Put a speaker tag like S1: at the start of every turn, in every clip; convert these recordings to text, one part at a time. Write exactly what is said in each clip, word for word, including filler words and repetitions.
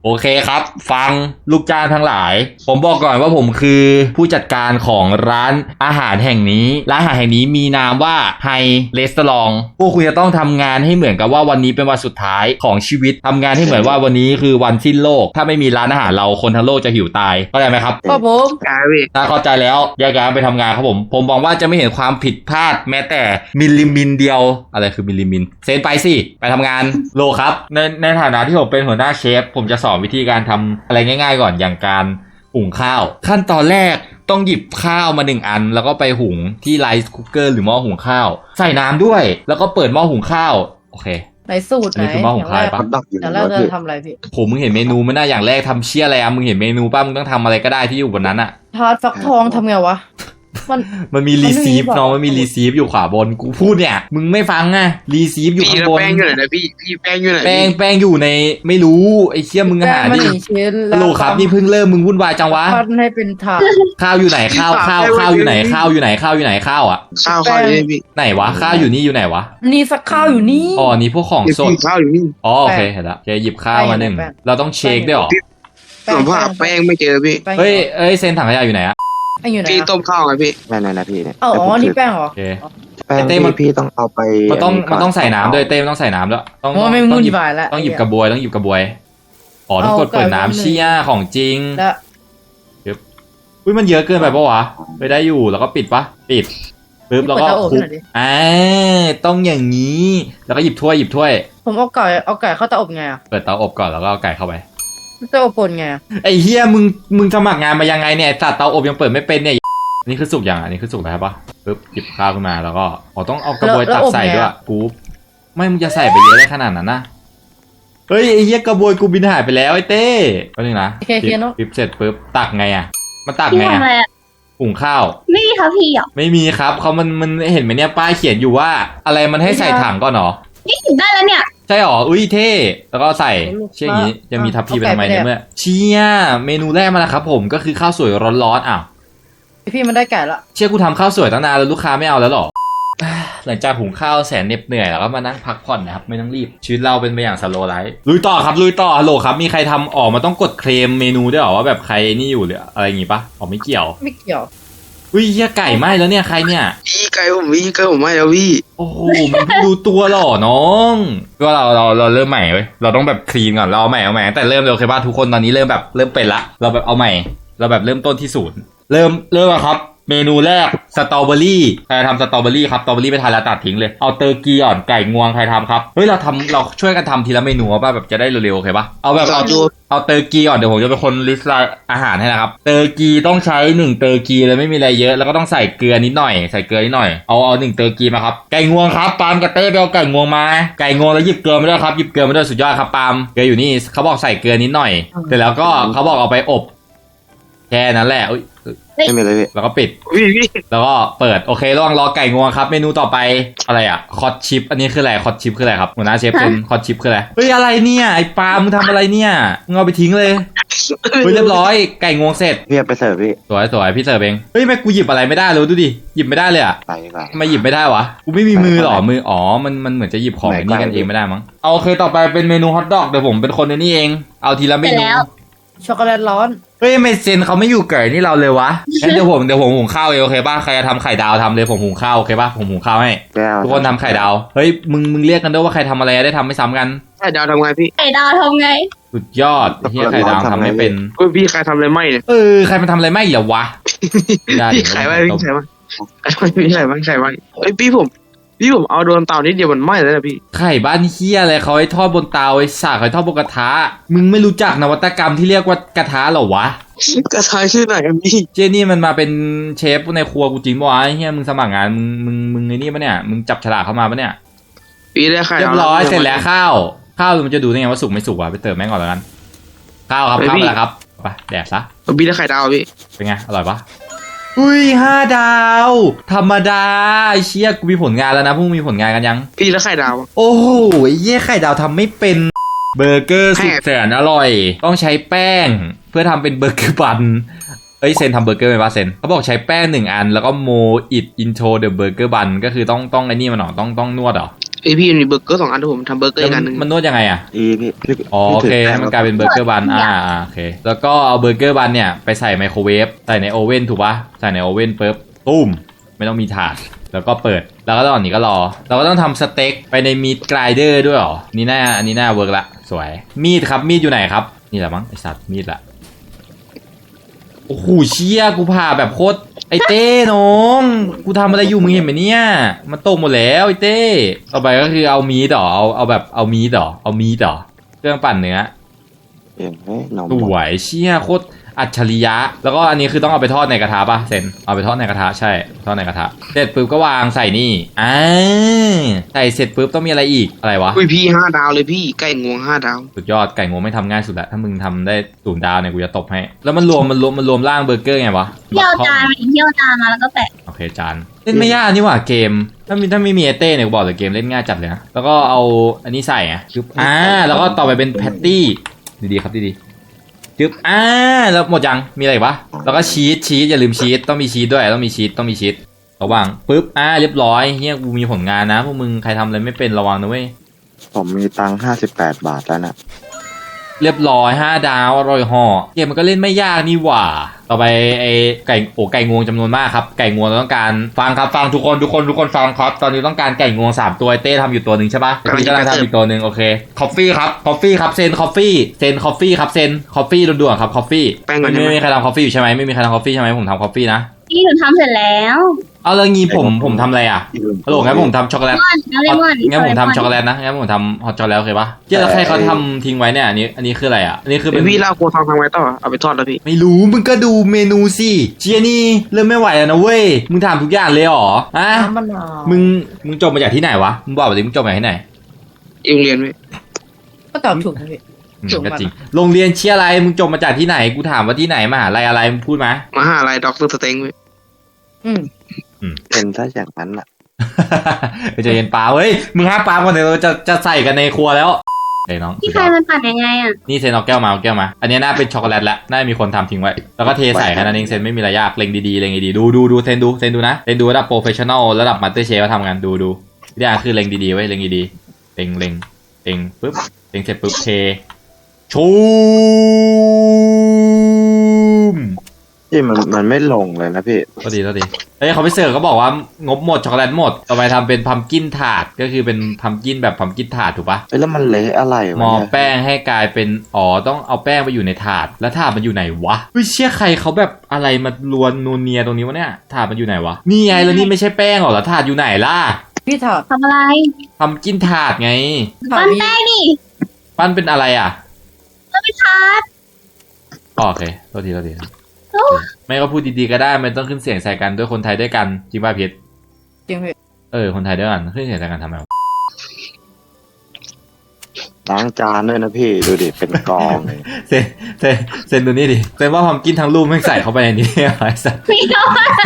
S1: โอเคครับฟังลูกจ้างทั้งหลายผมบอกก่อนว่าผมคือผู้จัดการของร้านอาหารแห่งนี้ร้านอาหารแห่งนี้มีนามว่าไฮเรสตอรองพวกคุณจะต้องทำงานให้เหมือนกับว่าวันนี้เป็นวันสุดท้ายของชีวิตทำงานให้เหมือนว่าวันนี้คือวันสิ้นโลกถ้าไม่มีร้านอาหารเราคนทั้งโลกจะหิวตายเข้าใจไหมครับ
S2: ครับผม
S3: กายพี่
S1: ถ้าเข้าใจแล้วแยกย้ายไปทำงานครับผมผมมองว่าจะไม่เห็นความผิดพลาดแม้แต่มิลลิมิลเดียวอะไรคือมิลลิมิลเซนไปสิไปทำงานโลครับในในฐานะที่ผมเป็นหัวหน้าเชฟผมจะสอนวิธีการทำอะไรง่ายๆก่อนอย่างการหุงข้าวขั้นตอนแรกต้องหยิบข้าวมาหนึ่งอันแล้วก็ไปหุงที่ไรซ์คุกเกอร์หรือหม้อหุงข้าวใส่น้ำด้วยแล้วก็เปิดหม้อหุงข้าวโอเค
S2: ไหนสูตรไหน
S1: นี่คือหม้อหุงข้าวปะ
S3: ฮอตดอกอยู่
S2: อย่างแร
S3: แล้
S2: ก
S3: ว
S2: เรา
S3: พี่
S2: จะทำอะไรพี่
S1: ผมมึงเห็นเมนูไม่น่าอย่างแรกทำเชี่ยอะไรอะมึงเห็นเมนูป่ะมึงต้องทำอะไรก็ได้ที่อยู่บนนั้นอะ
S2: ทาร์ตฟักทองทำไงวะมัน
S1: มันมี
S2: มันไม่
S1: รี
S2: มี
S1: ซีฟ
S2: บอก
S1: น้องมันมีรีซีฟอยู่ขวาบนกูพูดเนี่ยมึงไม่ฟังไงรีซีฟอยู่
S3: พี่
S1: ข้าง
S3: แล้ว
S1: บน
S3: แป้งอยู่ไหนนะพี่พี่แป้งอยู่ไหน
S1: แป้ง
S3: พี่
S1: แป้งอยู่ในไม่รู้ไอ้เชี่ยมึง
S2: แป้
S1: หาง
S2: มัน
S1: ดิ
S2: หนึ่งชิ้น
S1: ฮัลโหลครับนี่เพิ่งเริ่มมึงวุ่นวายจังวะ
S2: พันให้เป็นถาด
S1: ข้าวอยู่ไหนข้าวข้าวข้าวอยู่ไหนข้าวอยู่ไหนข้าวอยู่ไหนข้าวอ่ะ
S3: ข้าวข้าวอยู่นี่พี่
S1: ไหนวะข้าวอยู่นี่อยู่ไหนวะ
S2: นี่สักข้าวอยู่นี่
S1: อ๋อนี่พวกของ
S3: พี่
S1: สด
S3: ข้าวอยู่นี่
S1: อ๋อโอเคเห็นละโอเคหยิบข้าวมาหนึ่ง
S2: แป้ง
S1: เราต้องเช็คด้วยเหรอ
S3: ผมว่าแป้งไม่เจอพี่
S2: แป้ง
S1: เฮ้ยเอ้ยเซนถังขยะอยู่ไหนอะ
S2: แป้งอยู่ไหน
S3: พี่
S2: อะ
S3: ต้มข้าวไงพี่
S4: นั่นนะพี่เนี่ย
S2: อ๋ออ๋อนี่แป้งเหรอ
S1: โอเค
S4: แป้ง
S1: ไอ้เต้
S4: ที่
S1: มัน
S4: พี่ต้องเอาไป
S1: มันต้อง
S4: ก่
S1: มันต้องใส่น้ำด้วยเต้มันต้องใส่น้ำด้วยต้อง
S2: โอ้ไม่
S1: ต้
S2: งุ่
S1: อง
S2: น
S1: หยิบ
S2: วายแล้ว
S1: ต้องหยิบกระบวยต้องหยิบกระบวยอ๋อต้องกดเปิดน้ำเชี่ยของจริง
S2: แล้ว
S1: อุ้ยมันเยอะเกินไปปะวะไปได้อยู่แล้วก็ปิดปะปิดปึ๊บแล้วก็
S2: เปิดเตาอบ
S1: คลุก
S2: หน่อยดิ
S1: อ่าต้องอย่างนี้แล้วก็หยิบถ้วยหยิบถ้วย
S2: ผมเอาไก่เอาไก่เข้าเตาอบไงอะ
S1: เปิดเตาอบก่อนแล้วก็เอาไก่เข้าไป
S2: เตาอบปนไงอะ
S1: ไอ้เฮียมึงมึงสมัครงานมายังไงเนี่ยสัตว์เตาอบยังเปิดไม่เป็นเนี่ยอันนี่คือสุกอย่างอันนี้คือสุกแล้วใช่ปะปึ๊บหยิบข้าวขึ้นมาแล้วก็อ๋อต้องเอากระบวยตักใส่ด้วยกูไม่มึงจะใส่ไปเยอะได้ขนาดนั้นนะเฮ้ยไอ้เฮียกระบวยกูบินหายไปแล้วไอ้เต้ก็นึงนะ
S2: โอเคเคลียร์เนาะ
S1: ปิ๊บเสร็จปึ๊บตักไงอ่ะมันตัก
S5: พี่
S1: ไง
S5: ทำอะไร
S1: อ่ะ
S5: อ่ะ
S1: หุงข้าว
S5: ไม่มีครับพี่หรอ
S1: ไม่มีครับเขามันมันเห็นไหมเนี่ยป้ายเขียนอยู่ว่า อะไรมันให้ใส่ถังก่อนเหรอ
S5: นี่หยิบได้แล้วเนี่ย
S1: ใช่หรออุ้ยเท่แล้วก็ใส่เชี่ยอย่างนี้จะมีทัพพีไปทำไมเนี่ยเมื่อเชี่ยเมนูแรกมาแล้วครับผมก็คือข้าวสวยร้อนๆอ้าว
S2: พี่มันได้ไก่ละ
S1: เชี่ยกูทำข้าวสวยตั้งนานแล้วลูกค้าไม่เอาแล้วหรอ หลังจากหุงข้าวแสนเหน็ดเหนื่อยแล้วก็มานั่งพักผ่อนนะครับไม่ต้องรีบชีวิตเราเป็นไปอย่างสโลว์ไลฟ์ลุยต่อครับลุยต่อฮัลโหลครับมีใครทำออกมาต้องกดเคลมเมนูด้วยหรอว่าแบบใครนี่อยู่หรืออะไรอย่างงี้ปะอ๋อไม่เกี่ยว
S2: ไม่เกี่ยว
S1: อุ้ยเหี้ยไก่ไหม้แล้วเนี่ยใครเนี่ย
S3: พี่ไก่ผมพี่ไก่ผมไม่แล้วพี่
S1: โอ้โหมันเพิ่งรู้ตัวหรอน้องก็เราเราเราเริ่มใหม่เว้ยเราต้องแบบคลีนก่อนเราเอาใหม่เอาใหม่ตั้งแต่เริ่มเลยโอเคป่ะทุกคนตอนนี้เริ่มแบบเริ่มเป็นละเราแบบเอาใหม่ เราแบบเริ่มต้นที่ศูนย์เริ่มเริ่มอะครับ เมนูแรกสตรอเบอรี่ใครทำสตรอเบอรี่ครับสตรอเบอรี่ไปทานแล้วตัดทิ้งเลยเอาเตอร์กีอ่อนไก่งวงใครทำครับเฮ้ยเราทำเราช่วยกันทำทีละเมนูป่ะแบบจะได้เร็วๆโอเคป่ะเอาแบบเอา
S3: ดู
S1: เอาเตอร์กีก่อนเดี๋ยวผมจะเป็นคนลิสต์รายอาหารให้นะครับเตอร์กีต้องใช้หนึ่งเตอร์กีเลยไม่มีอะไรเยอะแล้วก็ต้องใส่เกลือนิดหน่อยใส่เกลือนิดหน่อยเอาเอาหนึ่งเตอร์กีมาครับไก่งวงครับปาล์มกับเต้ไปเอาไก่งวงมาไก่งวงแล้วหยิบเกลือมาด้วยครับหยิบเกลือมาด้วยสุดยอดครับปาล์มเกลืออยู่นี่เขาบอกใส่เกลือนิดหน่อยเสร็จแล้วก็เขาบอกเอาไปอบแค่นั้นแหละอุ๊ย
S4: ไม่มีเลยพี่
S1: แล้วก็ปิด
S3: พี่พี่
S1: แล้วก็เปิดโอเคระหว่างรอไก่งวงครับเมนูต่อไปอะไรอ่ะคอตชิปอันนี้คืออะไรคอตชิปคืออะไรครับหัวหน้าเชฟเป็นคอตชิปคืออะไรเฮ้ยอะไรเนี่ยไอ้ปาล์มมึงทำอะไรเนี่ยมึงเอาไปทิ้งเลยเฮ้ยเรียบร้อยไก่งวงเสร็จ
S4: พี่เอาไปเสิร์ฟพี่
S1: สวยสวยพี่เสิร์ฟเองเฮ้ยแม่กูหยิบอะไรไม่ได้เลยดูดิหยิบไม่ได้เลยอ่ะ
S4: ไปดีกว่า
S1: ทำไมหยิบไม่ได้วะกูไม่มีมือหรอมืออ๋อมันมันเหมือนจะหยิบของนี่กันเองไม่ได้มั้งเอาโอเคต่อไปเป็นเมนูฮอทดอกเดี๋ยวผมเป็นคนในนี่เองเอาทีละเม
S5: เสร็จ
S1: นู
S5: แล้ว
S2: ช็อกโกแลตร้อน
S1: เฮ้ยไม่เซนเขาไม่อยู่เกิดนี่เราเลยวะงั้นเดี๋ยวผมเดี๋ยวผมหุงข้าวเองโอเคป่ะใครจะทำไข่ดาวทำเลยผมหุงข้าวโอเคป่ะผมหุงข้าวให้
S4: แก้ว
S1: ทุกคนทำไข่ดาวเฮ้ยมึงมึงเรียกกันด้วยว่าใครทำอะไรได้ทำไม่ซ้ำกัน
S3: ไข่ดาวทำไงพี่
S5: ไข่ดาวทำไง
S1: สุดยอดเฮียไข่ดาวทำไม่เป็น
S3: เฮ้ยพี่ใครทำอะไรไม่เนี่ย
S1: เออใครมันทำอะไรไม่เหรอวะไม่ได้
S3: พี่ไข่ไว้พี่ไข่ไว้พี่ไข่ไว้ไข่ไว้เฮ้ยพี่ผมพี่ผมเอาโดนเตานิดเดียวมันไหม้แล้วนะพี่
S1: ไข่บ้านเฮียอะไรเขาให้ทอดบนเตาไอ้สากเขาให้ทอดบนกระทะมึงไม่รู้จักนวัตกรรมที่เรียกว่ากระทะเหรอวะ
S3: กระทายชื่อไหนอะพี่
S1: เจนี่มันมาเป็นเชฟในครัวกูจริงปะวะไอ้เฮียมึงสมัครงานมึงมึงมึงไอ้นี่ปะเนี่ยมึงจับฉลากเข้ามาปะเนี่ย
S3: พี่ได้ไข่
S1: เรีย
S3: ดาว
S1: บร้อยเสร็จแล้วข้าวข้าวมันจะดูได้ไงว่าสุกไม่สุกวะไปเติมแม่งก่อนแล้วกันข้าวครับข้าวมาแล้วครับไปแดกซะ
S3: พี่ได้ไข่ดาวพี่
S1: เป็นไงอร่อยปะอุ้ยห้าดาวธรรมดาไอ้เชี่ยกูมีผลงานแล้วนะพวกมึงมีผลงานกันยัง
S3: พี่ได้ไข่ดาว
S1: โอ้โหไอ้เหี้ยไข่ดาวทำไม่เป็นเบอร์เกอร์สุดแสนอร่อย ต้องใช้แป้งเพื่อทำเป็นเบอร์เกอร์บันเอ้ยเซนทำเบอร์เกอร์ไหมวะเซนเขาบอกใช้แป้งหนึ่งอันแล้วก็โมอิดอินโทรเดอะเบอร์เกอร์บันก็คือต้องต้องไอ้นี่มันหรอต้องต้องนวดเหรอ
S3: ไอพี่มีเบอร์เกอร์สองอันที่ผมทำเบอร์เกอร์อีกอันหนึ่ง
S1: มันนวดยังไงอ่ะ
S4: อีพี่พี่
S1: อ๋อโอเค
S4: พี่ถื
S1: ให้มันกลายเป็นเบอร์เกอร์บันอ่าอ่าโอเคแล้วก็เอาเบอร์เกอร์บันเนี่ยไปใส่ไมโครเวฟใส่ในโอเว่นถูกปะใส่ในโอเว่นปุ๊บตุ้มไม่ต้องมีถาดแล้วก็เปิดแล้วก็ตอนนี้ก็รอเราก็ต้องทำสเต็กไปในมีดกรายเดอร์ด้วยเหรอนี่น่าอันนี้น่าเวิร์กละสวยมีดครับมีดอยู่ไหนครับนี่แหละมั้งไอสัตว์มีดละโอ้โหเชี่ยกูผ่าแบบโคตรไอเต้น้องกูทำอะไรอยู่มึงเห็นไหมเนี่ยมันตกหมดแล้วไอเต้ต่อไปก็คือเอามีดต่อเอาเอาแบบเอามีดต่อเอามีดต่อเครื่องปั่นเนื้อ
S4: เห็นไหมน้อง
S1: สวยเชี่ยโคตรอัจฉริยะแล้วก็อันนี้คือต้องเอาไปทอดในกระทะป่ะเซนเอาไปทอดในกระทะใช่ทอดในกระทะเสร็จปุ๊บก็วางใส่นี่อ่าใส่เสร็จปุ๊บต้องมีอะไรอีกอะไรวะ
S3: อุ้ยพี่ห้าดาวเลยพี่ไก่งวงห้าดาว
S1: สุดยอดไก่งวงไม่ทำง่ายสุดละถ้ามึงทำได้ศูนย์ดาวเนี่ยกูจะตบให้แล้วมันรวมมันรวมมันรวมร่างเบอร์เกอร์ไงวะ
S5: เที่ยวจานเที่ยวจานมาแล้วก็แปะ
S1: โอเคจานเล่นไม่ยากนี่หว่าเกมถ้ามีถ้าไม่มีเอเต้เนี่ยกูบอกเลยเกมเล่นง่ายจัดเลยนะแล้วก็เอาอันนี้ใส่อ่ะจุ๊บอ่าแล้วก็ต่อไปเป็นแพตตี้ดีๆครับดีๆจึ๊บอ่าแล้วหมดยังมีอะไรอีกปะแล้วก็ชีสชีสอย่าลืมชีสต้องมีชีสด้วยต้องมีชีสต้องมีชีสระวังปึ๊บอ่าเรียบร้อยเฮียกูมีผลงานนะพวกมึงใครทำอะไรไม่เป็นระวังนะเว้ย
S4: ผมมีตังค์ห้าสิบแปดบาทแล้วนะ
S1: เรียบร้อยห้าดาวอร่อยห่อเกมมันก็เล่นไม่ยากนี่หว่าต่อไปไอ้ไก่โอ้ไก่งวงจำนวนมากครับไก่งวงเราต้องการฟังครับฟังทุกคนทุกคนทุกคนฟังครับตอนนี้ต้องการไก่งวงสามตัวเต้ทำอยู่ตัวหนึ่งใช่ปะพี่กำลังทำอยู่ตัวหนึ่งโอเคคอฟฟี่ครับคอฟฟี่ครับเซนคอฟฟี่เซนคอฟฟี่ครับเซนคอฟฟี่ด่วนๆครับคอฟฟี่
S3: แป้งก่อน
S1: ไม่
S3: ใช่ไหม
S1: ไม่มีใครทำคอฟฟี่อยู่ใช่ไหมไม่มีใครทำคอฟฟี่ใช่ไหมผมทำคอฟฟี่นะ
S5: พี่หนูทำเสร็จแล้ว
S1: เอาแล้วงี้ผมผมทำอะไรอ่ะฮัลโหลงั้นผมทำช็อกโกแลต
S5: มอนแล้วเลมอน
S1: งั้นผมทำช็อกโกแลตนะงั้นผมทำฮอตช็อกโกแลตโอเคปะเจ๊แล้วใครเขาทำทิ้งไว้เนี่ยอันนี้อันนี้คืออะไรอ่ะอันนี้คือ
S3: ไอ
S1: เป็น
S3: พี่เล่าโคทองทำไว้ต่อเอาไปทอดแล้วพี่
S1: ไม่รู้มึงก็ดูเมนูสิเจียนี่เริ่มไม่ไหวแล้วนะเว้ยมึงถามทุกอย่างเลยเหรอฮะ
S2: น้ำมะนาว
S1: มึงมึงจบมาจากที่ไหนวะมึงบอกมาดิมึงจบมาจากที่ไหน
S3: เองเรียนไหม
S2: ก็ตอบถูกนะพี่
S1: อืม
S2: จบมา
S1: ก็จริงโรงเรียนเชียอะไรมึงจบมาจากที่ไหนกูถามว่าที่ไหนมหาลัยอะไรมึงพูดมา
S3: มหาลัยด็อกเตอร์สเต็งไหม
S2: อืม
S4: เป็นซะอย่างนั้นอ่ะ
S1: ไปเจอเย็นปลาเว้ยมึงห้าปลาก่อนเดี๋ยวเราจะจะใส่กันในครัวแล้วเฮ้ยน้อง
S5: พี่ใครมันปั่นยังไงอ่ะ
S1: นี่เซนเอาแก้วมาเอาแก้วมาอันนี้น่าเป็นช็อกโกแลตแล้วน่ามีคนทำทิ้งไว้แล้วก็เทใส่แค่นั้นเองเซนไม่มีอะไรยากเล็งดีๆเล็งดีๆดูดูดูเซนดูเซนดูนะเซนดูระดับโปรเฟชชั่นอลระดับมาสเตอร์เชฟมาทำกันดูดูวิธีการคือเล็งดีๆไว้เล็งดีๆเล็งเล็งเล็งปุ๊บเล็งเสร็จปุ๊บเทชูม
S4: พี่มันมันไม่ลงเลยนะพี่
S1: ก็ดีก็ดีเฮ้ยเขาไปเสิร์ฟเขาบอกว่างบหมดช็อกโกแลตหมดต่อไปทำเป็นพัมกินถาดก็คือเป็นพัมกินแบบพัมกินถาดถูกปะ
S4: เอ้ยแล้วมันเละอะไรวะ
S1: มอ
S4: เนี่ย
S1: แป้งให้กลายเป็นอ๋อต้องเอาแป้งไปอยู่ในถาดแล้วถาดมันอยู่ไหนวะเฮ้ยเชี่ยใครเขาแบบอะไรมาลวนนูนเนียตรงนี้วะเนี่ยถาดมันอยู่ไหนวะนี่ไงแล้วนี่ไม่ใช่แป้งหรอแล้วถาดอยู่ไหนล่ะ
S2: พี่ถอด
S5: ทำอะไร
S1: ทำกินถาดไง
S2: ถอด
S5: ปั้น
S2: พี่
S5: แป้งดิ
S1: ปั้นเป็นอะไรอ่ะ
S5: ปั้นเป็นทาร์ต
S1: อ๋อโอเคโทษทีโทษที
S5: โอ้
S1: ไม่ก็พูดดีๆก็ได้ไม่ต้องขึ้นเสียงใส่กันด้วยคนไทยด้วยกันจริงป่ะพีท
S2: จริงพี่
S1: เออคนไทยด้วยกันขึ้นเสียงใส่กันทำไมวะ
S4: ล้างจานด้วยนะพี่ดูดิเป็นกองเลย
S1: เซนเซนเซนดูนี่ดิเซนว่าพัมกินทั้งลูกไม่ใส่เข้าไปในนี้ไอ้สัส
S5: พี่เอา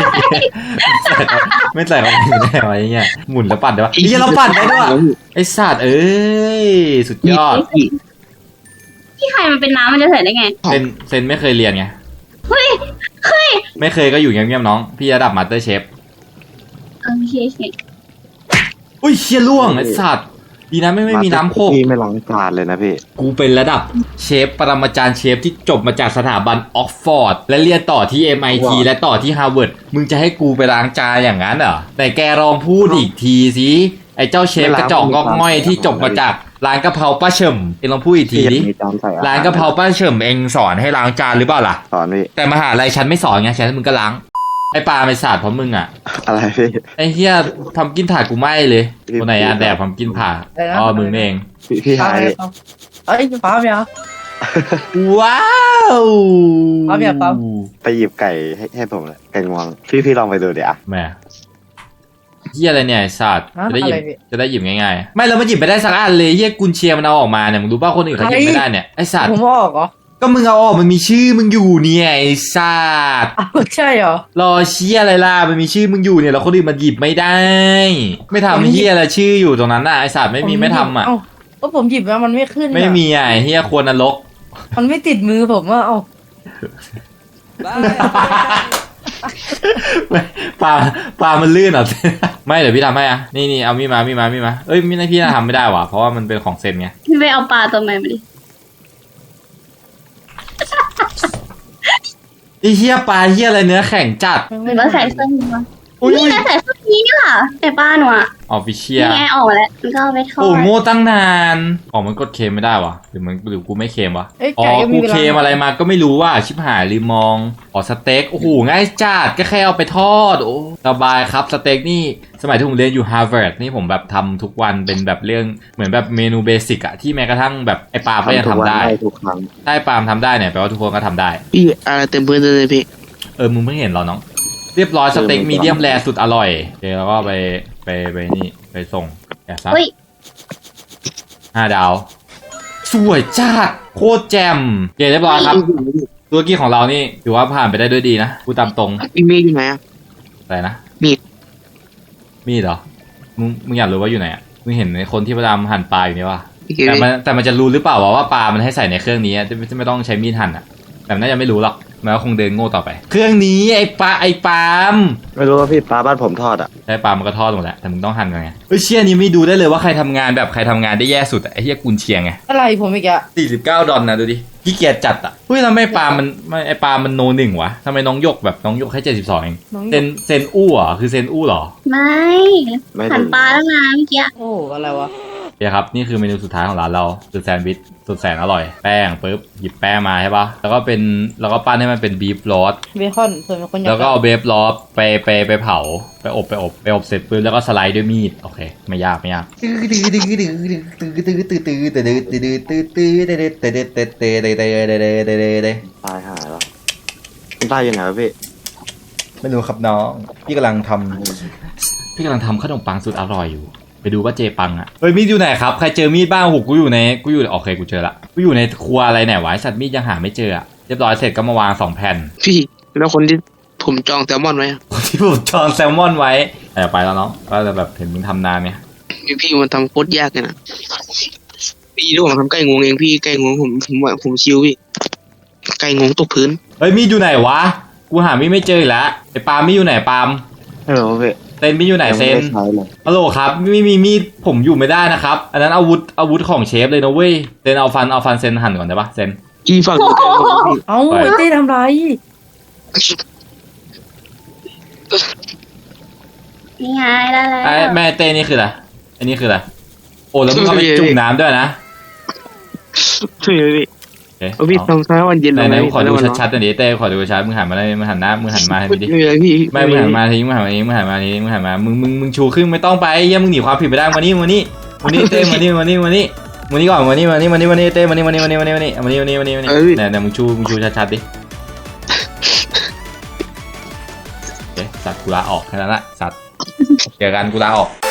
S1: ไม่ใส่เข้าไปได้ไหมเงี้ยหมุนแล้วปั่นได้ปะไอ้เหี้ยเราปั่นได้ด้วยว่ะไอ้สัตว์เอ้ยสุดยอด
S5: พี่ใครมันเป็นน้ำมันจะใส่ได้ไง
S1: เซนเซนไม่เคยเรียนไง
S5: เฮ้ยเฮ้ย
S1: ไม่เคยก็อยู่เงียบๆน้องพี่ระดับมาสเตอร์เชฟ
S5: โอเคโอเค
S1: อุ้ยเชี่ยล่วงไอ้สัตว์ดีนะไม่ไม่มีน้ำโคก
S4: พี่ไม่ล้างจานเลยนะพี่
S1: กูเป็นระดับเชฟปรมาจารย์เชฟที่จบมาจากสถาบันออกฟอร์ดและเรียนต่อที่ เอ็ม ไอ ที
S4: ว้าว
S1: และต่อที่ฮาร์วาร์ดมึงจะให้กูไปล้างจานอย่างนั้นเหรอแต่แกลองพูดอีกทีสิไอ้เจ้าเชฟกระจอกงอกง่อยที่จบมาจากร้านกะเพราป้าเฉิมเองลองพูดอีกที
S4: พี่
S1: ดิ
S4: มีจานใส่อห
S1: ร้านกะเพราป้าเฉิมเองสอนให้ล้างจานหรือเปล่าล่ะ
S4: สอนพี่
S1: แต่มหาลัยฉันไม่สอนไงฉันมึงก็ล้างไอ้ปลาไม่สาดเพราะมึงอ่ะ
S4: อะไรพี่
S1: ไอ้เฮียทำกินถาดกูไหม้เลยคนไหนอ่ะแดกทำกินผ่าอ๋อมึงนี่เอง
S4: พี่พี่
S2: ฟ้า
S4: หาย
S2: ไหมครับเอ้ยฟ้าไหมครับ
S1: ว้าว
S2: ปั๊บอย่าปั๊บ
S4: ไปหยิบไก่ให้ให้ผมเลยไก่งวงพี่พี่ลองไปดูเดี๋ยว
S1: แม่เฮียอะไรเนี่ยไอ้สัตว์
S2: ฮะ
S1: จะได้หยิบ
S2: อะไรพี่
S1: จะได้หยิบง่ายๆไม่เราไม่หยิบไปได้สักอันเลยเฮียกุนเชียร์มันเอาออกมาเนี่ยมึงรู้ป่ะคนอื่นเขาหยิบไม่ได้เนี่ยไอ้สัตว์
S2: ผมออกเหรอ
S1: ก็มึงเอาออกมันมีชื่อมึงอยู่เนี่ยไอ้สัตว์
S2: อ้าวใช่เหรอ
S1: รอเชียอะไรล่ะมันมีชื่อมึงอยู่เนี่ยแล้วคนอื่นมันหยิบไม่ได้ ไม่ทำเฮียอะไรชื่ออยู่ตรงนั้นน่ะไอ้สัตว์ไม่มีไม่ทำอ่ะ
S2: เอ้าก็ผมหยิบแล้วมันไม่ขึ้นอะ
S1: ไม่มีอ่ะไอ้เฮียควรนรก
S2: มันไม่ติดมือผมว่าเอ้า
S1: ไม่ปลาปลามันลื่นเหรอ ไม่เดี๋ยวพี่ทำให้อ่ะนี่นี่เอามีดมามีดมามีดมาเอ้ยมีดพี่น่าทำไม่ได้ว่ะเพราะว่ามันเป็นของเซนไง
S5: พี่ไปเอาปลาตัวใหม่มาดิ
S1: ไอ้เหี้ยปลาเหี้ยอะไรเนื้อแข็งจัด
S5: หรือว่าใส่เสื้อนี้วะ
S1: อุ้ย
S5: นี่นะใส่เสื้อนี้นี่หว่าแต่ปลาหนูอ่ะ
S1: ออฟฟิเชีย
S5: นี่ไงออกมาแล้วมันก็เอาไปทอ
S1: โอ้
S5: ด
S1: โง่ตั้งนานอ๋อมันกดเคมไม่ได้วะหรือมันหรือกูไม่เคมวะ
S2: เอ้ย
S1: อ๋อ
S2: ไก่ก็มี
S1: กู
S2: เวลา
S1: เคมอะไรมาก็ไม่รู้ว่าชิบหายลืมมองอ๋อสเต็กโอ้โหง่ายจัดก็แค่เอาไปทอดโอ้สบายครับสเต็กนี่สมัยที่ผมเรียนอยู่ฮาร์วาร์ดนี่ผมแบบทำทุกวันเป็นแบบเรื่องเหมือนแบบเมนูเบสิกอะที่แม้กระทั่งแบบไอ้ปาล์มก็ยัง
S4: ทุก
S1: ทำ
S4: วัน
S1: ได้
S4: ทุกครั้ง
S1: ถ้าไอ้ปาล์มทำได้เนี่ยแปลว่าทุกคนก็ทำได้
S3: พี่อะไรเต็มพื้นเลยพี่
S1: เออมึงเพิ่งเห็นเหรอน้องเรียบร้อยสเต็กมีเดียมแรสุดอร่อยโอเคแล้วก็ไปไปไปนี่ไปส่งแกะซับ
S5: เฮ้ย
S1: ห้าดาวสวยจัดโคตรแจ่มเย้เรียบร้อยครับธุรกิจของเรานี่ถือว่าผ่านไปได้ด้วยดีนะพูดตามตรง
S3: พี่มีอยู่ไหนอ่ะ
S1: อะไรนะ
S3: มีด
S1: มีดเหรอมึงมึงอยากรู้ว่าอยู่ไหนอ่ะมึงเห็นในคนที่พยายามหั่นปลาอยู่นี่วะ
S3: พี่เก
S1: แต่
S3: ม
S1: มันแต่มันจะรู้หรือเปล่าวะว่าปลามันให้ใส่ในเครื่องนี้อะจะจะไม่ต้องใช้มีดหั่นอ่ะแต่มันน่าจะไม่รู้หรอกมันก็คงเดินโง่ต่อไป เครื่องนี้ไอ้ปลาไอ้ปาล์ม
S4: ไม่รู้ว่าพี่ปลาบ้านผมทอดอ่ะ
S1: ได้ปลามันก็ทอดหมดแหละแต่มึงต้องหั่นกันไงเฮ้ยเชี่ยนี้ไม่ดูได้เลยว่าใครทำงานแบบใครทำงานได้แย่สุดอะไอ้เหี้ยกุนเชียงไง
S2: อะไรผมอีกอะ
S1: สี่สิบเก้าดอลนะดูดิขี้เกียจจัดอ่ะเฮ้ยทำไมปลามันไม่ไอปลามันโนหนึ่งวะทำไมน้องหยกแบบน้องหยกแค่เจ็ดสิบสองเอง
S2: น้อง
S1: เซนเซนอู้เหรอคือเซนอู้เหรอ
S5: ไม่
S4: ไม่
S5: หั่น
S4: ถึง
S5: ปลาตั้งนานเมื่อกี้
S2: โอ้อะไรวะ
S1: เดี๋ยวครับนี่คือเมนูสุดท้ายของร้านเราคือแซนด์วิชสุดแสนอร่อยแป้งปุ๊บหยิบแป้งมาใช่ปะแล้วก็เป็นแล้วก็ปั้นให้มันเป็นบีฟโรส
S2: เบคอนเผื่อมีคนอยาก
S1: แล้วก็เอาเบฟโรสไปไปไปเผาไปอบไปอบไปอบเสร็จปุ๊บแล้วก็สไลด์ด้วยมีดโอเคไม่ยากไม่ยาก
S4: ตายหายแล้วมันตายยังไงวะพี่
S1: ไม่รู้ครับน้องพี่กำลังทำพี่กำลังทำขนมปังสุดอร่อยอยู่ไปดูว่าเจปังอ่ะเฮ้ยมีดอยู่ไหนครับใครเจอมีดบ้างหูกูอยู่ในกูอยู่โอเคกูเจอละกูอยู่ในครัวอะไรไหนวะไอ้สัตว์มีดยังหาไม่เจออะเรียบร้อยเสร็จก็มาวางสองแผ่น
S3: พี่แล้วคนที่ผมจองแซลมอนไว้อะ
S1: ที่ผมจองแซลมอนไว้แต่ไปแล้วเนาะก็จะแบบเห็นมึงทำนานเนี่ย
S3: พี่พี่มันทำโคตรยากเลยนะพี่ที่ผมทำไก่งวงเองพี่ไก่งวงผมผมว่าผมชิวพี่ไก่งวงตกพื้น
S1: เฮ้ยมีดอยู่ไหนวะกูหามีดไม่เจออีกแล้วไอ้ปาล์มมีดอยู่ไหนปาล์ม
S4: ไม่รู้พี่
S1: เซนมีดอยู่ไหน
S4: ยัง
S1: เซ
S4: ไม่
S1: น
S4: ได้ใช้เลย
S1: ฮัลโหลครับไม่มีมีดผมอยู่ไม่ได้นะครับอันนั้นอาวุธอาวุธของเชฟเลยนะเว้ยเซนเอาฟันเอาฟันเซนหั่นก่อนได้ปะเซน
S3: พี่ฝั่งนี้ไก่งวงพี่
S2: เอ้า
S1: ไป
S2: ไอ้เต้ทำไร
S5: นี่ไงได้แล้ว
S1: ไอ้แม่เต้นี่คืออะไรอันนี้คืออะไรโอ้แล้วมึงเอาไปจุ่มน้ำด้วยนะ
S3: ช่วยพี่
S1: โอเค
S3: เอาพี่ทำซ้ายวันเย็น
S1: ไหน
S3: ลง
S1: ไหน
S3: ไหม
S1: ๆขอดูชัดๆหน่อยดิเต้ขอดูชัดมึงหันมาได้มึงหันหน้ามึงหันมาให้ดิ
S3: ไม่เลยพี่
S1: ไม่มึงหันมาทีมึงหันมาทีมึงหันมาทีมึงหันมามึงมึงมึงชูขึ้นไม่ต้องไปเยี่ยมึงหนีความผิดไปได้มานี่มานี่มานี่เต้มานี่มานี่มานี่มานี่ก่อนมานี่มานี่มานี่มานี่เต้มานี่มานี่มานี่มานี่มานี่มานี่มานี่มานี่มานี่เนี่ยเนี่ยมึงชูมึงชูชัดๆดิโอเคสัตว์กูลาออกแค่นั้นแหละสัตว์เจอกันกูลาออก